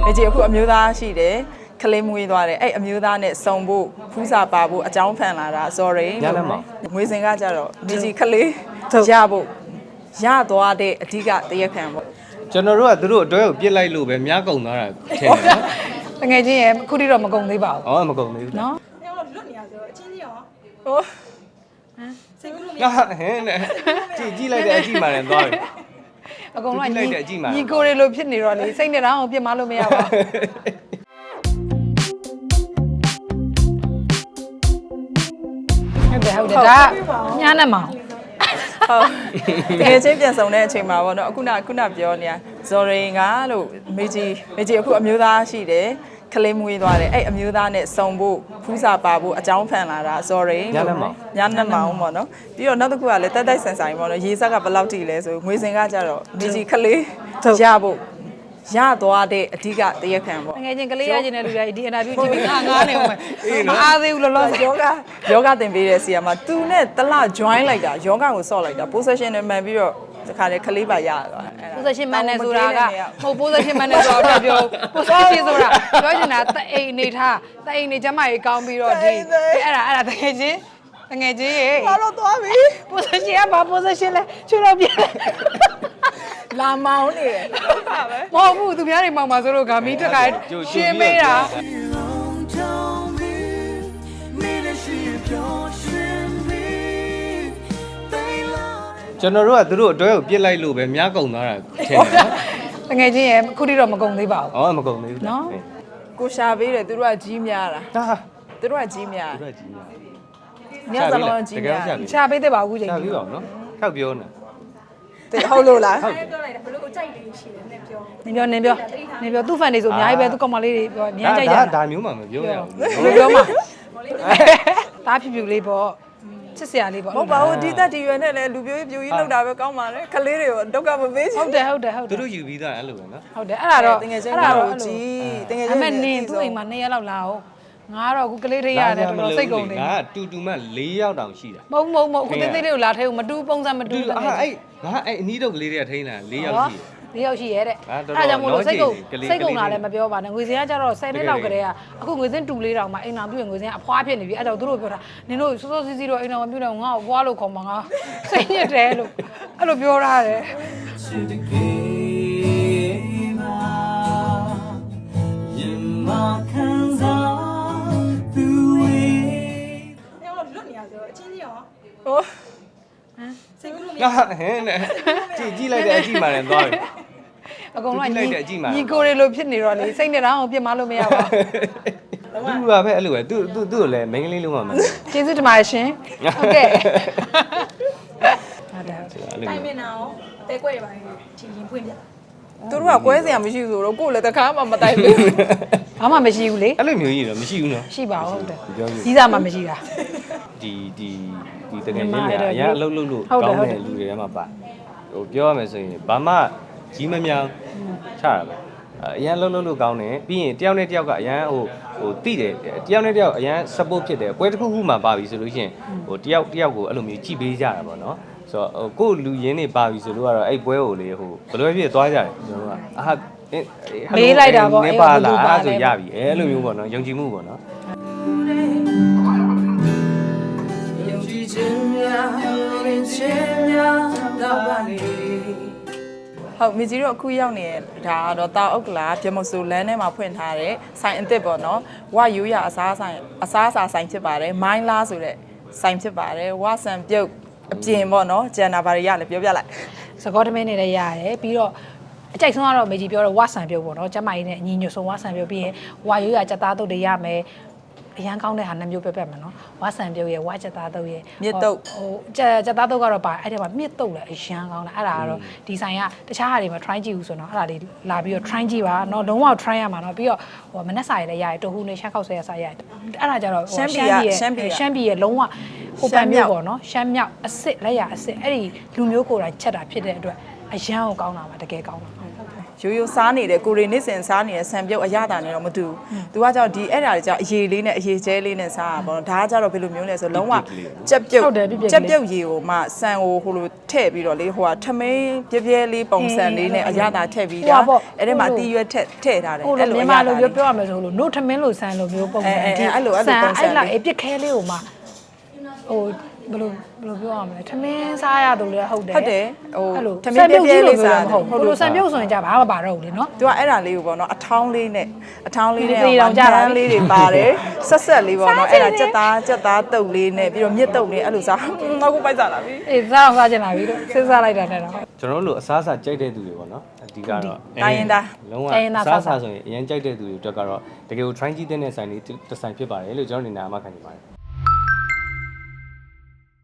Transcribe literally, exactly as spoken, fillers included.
မေကြီးအခုအမျိုးသားရှိတယ်ကလေးမွေးသွားတယ်အဲ့အမျိုးသားနဲ့စုံဖို့ဖူးစာပါဖို့အကြောင်းဖန်လာတာ sorry ငွေစင်ကကြတော့မေကြီးကလေးရဖို့ရသွားတဲ့အဓိကတရက်ခံပေါ့ကျွန်တော်တို့ကသူတို့အတွဲကိုပြစ်လိုက်လို့ပဲများကုန်သွားတာထင်တယ်တကယ်ချင်းရဲ့ခုထိတော့မကုန်သေးပါဘူးဟောမကုန်သေးဘူးနော်လွတ်နေရဆိုအချင်းကြီးရောဟိုဟမ်စိတ်ကူးလို့မရဟဲ့နဲ့ကြည့်ကြည့်လိုက်တဲ့အကြည့်မှလည်းသွားတယ်အကုန်လုံးညီညီကိုတွေလိုဖြစ်နေတော့လေစိတ်နဲ့တော့ပြစ်မလို့မရပါဘူးဟုတ်တယ်ဟုတ်တယ်ဒါညာနဲ့မောင်ဟုတ်တကယ်ချင်းပြန်ဆောင်တဲ့အချိန်မှာပေါ့နော်အခုနခုနပြောနေတာဇော်ရင်ကလို့မေကြီးမေကြီးအခုအမျိုးသားရှိတယ်ကလေးမွေးသွားတယ်အဲ့အမျိုးသားနဲ့စုံဖို့ဖူးစာပါဖို့အကြောင်းဖန်လာတာ sorry ညနေမောင်ညနေမောင်ပေါ့နော်ပြီးတော့နောက်တစ်ခုကလည်းတက်တက်ဆန်ဆန်ပေါ့နော်ရေစက်ကဘယ်လောက်ထိလဲဆိုငွေစင်ကကြတော့မေကြီးကလေးရဖို့ရသွားတဲ့အဓိကတရက်ခံပေါ့ငယ်ချင်းကလေးရချင်းတဲ့လူတွေဒီအင်တာဗျူးကြည့်ပြီးငါငားနေအောင်မအားသေးဘူးလောလောဆယ်ယောဂယောဂသင်ပေးတဲ့ဆီယာမှာသူနဲ့တလ join လိုက်တာယောဂကိုဆော့လိုက်တာ position နဲ့မှန်ပြီးတော့ဒီခါလေးကလေးပါရသွားအဲ့ဒါ position မှန်နေဆိုတာကမဟုတ် position မှန်နေဆိုတော့ပြော position ဆိုတာပြောချင်တာတအိမ်နေထားတအိမ်နေကျမကြီးကောင်းပြီးတော့ဒီအဲ့ဒါအဲ့ဒါတကယ်ချင်းတကယ်ချင်းရေဘာလို့သွားပြီ position ကဘာ position လဲချွေတော့ပြလာမောင်းနေတယ်ဟုတ်ပါပဲမဟုတ်ဘူးသူများတွေမောင်ပါဆိုလို့ဂါမီတက်ကရှင်းမေးတာကျွန်တော်တို့ကသူတို့အတွဲကိုပြစ်လိုက်လို့ပဲများကုန်သွားတာထင်တယ်တကယ်ချင်းရဲ့ခုထိတော့မကုန်သေးပါဘူးဟောမကုန်သေးဘူးနော်ကိုရှာပေးတယ်သူတို့ကကြီးများတာဟာသူတို့ကကြီးများသူတို့ကကြီးများညစလုံးကြီးများရှာပေးတယ်ပါအခုချိန်ရှာပေးပါဦးနော်ထောက်ပြောနေတဲ့ဟုတ်လို့လားဟုတ်ပြောလိုက်တာဘလို့ကိုကြိုက်တယ်ရှိတယ်နဲ့ပြောနင်ပြောနင်ပြောနင်ပြောသူ့ဖန်တွေဆိုအများကြီးပဲသူကောင်မလေးတွေပြောအများကြီးကြိုက်တာဒါမျိုးမှမပြောရဘူးဘယ်ပြောမှာဒါဖြူဖြူလေးပေါ့ချစ်စရာလေးပေါ့ဟုတ်ပါဘူးဒီသက်ဒီရွယ်နဲ့လည်းလူပြိုးပြိုးကြီးလောက်တာပဲကောင်းပါလေခလေးတွေကိုဒုက္ခမပေးချင်ဟုတ်တယ်ဟုတ်တယ်ဟုတ်တယ်သူတို့ယူပြီးသားအဲ့လိုပဲနော်ဟုတ်တယ်အဲ့ဒါတော့တကယ်ချင်းအဲ့ဒါတော့ကြီးတကယ်ချင်းအမေနင်သူ့အိမ်မှာနှစ်ရက်လောက်လာအောင်ငါတော့အခုကလေးထိရတယ်တော်တော်စိတ်ကုန်နေငါကတူတူမှ၄ယောက်တောင်ရှိတာမဟုတ်မဟုတ်မဟုတ်အခုသေးသေးလေးကိုလာထဲကိုမတူပုံစံမတူဘူးအဲ့အဲ့ငါအဲ့အနီးတော့ကလေးတွေကထိန်းလာ၄ယောက်ရှိ၄ယောက်ရှိရဲတဲ့အဲ့ဒါကြောင့်မို့လို့စိတ်ကုန်စိတ်ကုန်လာလည်းမပြောပါနဲ့ငွေစင်းကကြတော့ဆယ်နှစ်လောက်ကလေးကအခုငွေစင်းတူလေးတောင်မှအိမ်တော်ပြုရင်ငွေစင်းအဖွားဖြစ်နေပြီအဲ့တော့သူတို့ပြောတာနင်တို့စောစောစီးစီးတော့အိမ်တော်မပြုတ်တော့ငါ့ကိုအဖွားလို့ခေါ်မှာငါစိတ်ညစ်တယ်လို့အဲ့လိုပြောထားတယ်အချင်းကြီးရောဟိုဟမ်စိတ်ကူးလို့မရဟဲ့နဲ့ကြည့်ကြည့်လိုက်တဲ့အကြည့်မှလည်းသွားတယ်အကုန်လုံးညီညီကိုတွေလိုဖြစ်နေတော့လေစိတ်နဲ့တော့ပြစ်မလို့မရပါဘူးသူကပဲအဲ့လိုပဲသူသူသူ့ကိုလည်းမိန်းကလေးလုံးဝမကျေးဇူးတင်ပါတယ်ရှင်ဟုတ်ကဲ့ဟုတ်တယ်တိုင်မင်နာရောတဲကွက်ရပါရင်ချီရင်ဖွင့်ပြသူတို့ကကွဲစရာမရှိဘူးဆိုတော့ကိုယ်လည်းတခါမှမတိုင်ဘူးဘာမှမရှိဘူးလေအဲ့လိုမျိုးကြီးတော့မရှိဘူးနော်ရှိပါဟုတ်တယ်ကြီးစားမှမရှိတာဒီဒီဒီတကယ်ချင်းတွေအရင်အလုပ်လုပ်လို့ကောင်းတဲ့လူတွေထဲမှာပါဟိုပြောရမယ်ဆိုရင်ဘာမှကြီးမများချတာပဲအရင်အလုပ်လုပ်လို့ကောင်းတယ်ပြီးရင်တယောက်နဲ့တယောက်ကအရင်ဟိုဟိုတိတယ်တယောက်နဲ့တယောက်အရင် support ဖြစ်တယ်ပွဲတစ်ခုခုမှပါပြီဆိုလို့ရှိရင်ဟိုတယောက်တယောက်ကိုအဲ့လိုမျိုးကြည့်ပေးကြတာပေါ့နော်ဆိုတော့ကိုလူရင်းနေပါပြီဆိုလို့ကတော့အဲ့ပွဲကိုလေဟိုဘယ်လိုဖြစ်သွားကြတယ်ကျွန်တော်ကအာမေးလိုက်တာပေါ့အဲ့ပါလားအဲ့ဆိုရပြီအဲ့လိုမျိုးပေါ့နော်ယုံကြည်မှုပေါ့နော်ဟုတ်မြကြီးတို့အခုရောက်နေတာကတော့တာအုတ်ကလာပြမစိုးလမ်းထဲမှာဖွင့်ထားတဲ့ဆိုင်အစ်စ်ပေါ့နော်ဝယူရအစားဆိုင်အစားအစာဆိုင်ဖြစ်ပါတယ်မိုင်းလားဆိုတဲ့ဆိုင်ဖြစ်ပါတယ်ဝဆန်ပြုတ်အပြင်ပေါ့နော်ကျန်တာဘာတွေရလဲပြောပြလိုက်စကောတမင်းနေလည်းရတယ်ပြီးတော့အကြိုက်ဆုံးကတော့မေကြီးပြောတော့ဝဆန်ပြုတ်ပေါ့နော်ကျမကြီးနဲ့အညီညွတ်ဆုံးဝဆန်ပြုတ်ပြီးရင်ဝယူရကြက်သားတုတ်တွေရမယ်အရန်ကောင်းတဲ့ဟာနှစ်မျိုးပြတ်ပြတ်မယ်နော်ဝါဆန်ပြုတ်ရဲ့ဝါချက်သားတုတ်ရဲ့မြစ်တုတ်ဟိုချက်ချက်သားတုတ်ကတော့ပါအဲ့ထဲမှာမြစ်တုတ်လည်းအရန်ကောင်းတယ်အဲ့ဒါကတော့ဒီဆိုင်ကတခြားဟာတွေမှာ try ကြည့်ဦးဆိုတော့အဲ့ဒါလေးလာပြီးတော့ try ကြည့်ပါနော်လုံးဝ try ရမှာနော်ပြီးတော့ဟိုမနက်စာရည်လည်းရတယ်တဟူးနဲ့ရှမ်းခောက်ဆွဲရစာရတယ်အဲ့ဒါကြတော့ရှမ်းပြည်ရဲ့ရှမ်းပြည်ရှမ်းပြည်ရဲ့လုံးဝဟိုပန်မျိုးပေါ့နော်ရှမ်းမြောက်အစ်စ်လက်ရအစ်စ်အဲ့ဒီလူမျိုးကိုယ်တိုင်ချက်တာဖြစ်တဲ့အတွက်အရန်ကိုကောင်းတာပါတကယ်ကောင်းတာရိုးရိုးစားနေတဲ့ကိုရီနေ့စဉ်စားနေတဲ့ဆန်ပြုတ်အရသာနဲ့တော့မတူဘူး။ तू ကကြောင့်ဒီအဲ့ဒါတွေကြောင့်အရေးလေးနဲ့အရေးကျဲလေးနဲ့စားတာပေါ့နော်။ဒါကကြတော့ဘယ်လိုမျိုးလဲဆိုလုံးဝကြက်ပြုတ်ကြက်ပြုတ်ရေကိုမှဆန်ကိုဟိုလိုထည့်ပြီးတော့လေဟိုကထမင်းပြဲပြဲလေးပုံစံလေးနဲ့အရသာထည့်ပြီးတာအဲ့ဒီမှာတီးရွက်ထည့်ထည့်ထားတယ်အဲ့လိုမြန်မာလိုပြောပြောရမယ်ဆိုလို့ note ထမင်းလို့ဆန်လိုမျိုးပုံစံဒီအဲ့လိုအဲ့လိုပုံစံအဲ့လိုက်အပြစ်ခဲလေးကိုမှဟိုဘယ်လိုဘယ်လိုပြောရမလဲထမင်းစားရတယ်လည်းဟုတ်တယ်ဟုတ်တယ်ဟိုအဲ့လိုထမင်းပြဲပြဲလေးစားဟုတ်ဟုတ်လို့ဆန်ပြုတ်ဆိုရင်ကြဘာမှမပါတော့ဘူးလေနော် तू ကအဲ့ဒါလေးကိုပေါ့နော်အထောင်းလေးနဲ့အထောင်းလေးနဲ့တောင်ကြတာလေးတွေပါတယ်ဆက်ဆက်လေးပေါ့နော်အဲ့ဒါကြက်သားကြက်သားတုပ်လေးနဲ့ပြီးတော့မြစ်တုပ်လေးအဲ့လိုစားနောက်ခုပိုက်စားလာပြီအေးစားအောင်စားချင်လာပြီလို့စဉ်းစားလိုက်တာနဲ့တော့ကျွန်တော်တို့လိုအစားအစာကြိုက်တဲ့သူတွေပေါ့နော်အဓိကတော့လုံးဝအစားအစာဆိုရင်အရင်ကြိုက်တဲ့သူတွေအတွက်ကတော့တကယ်ကို try ကြည့်တဲ့ဆိုင်လေးတစ်ဆိုင်ဖြစ်ပါတယ်လို့ကျွန်တော်နေနာအမှခံနေပါတယ်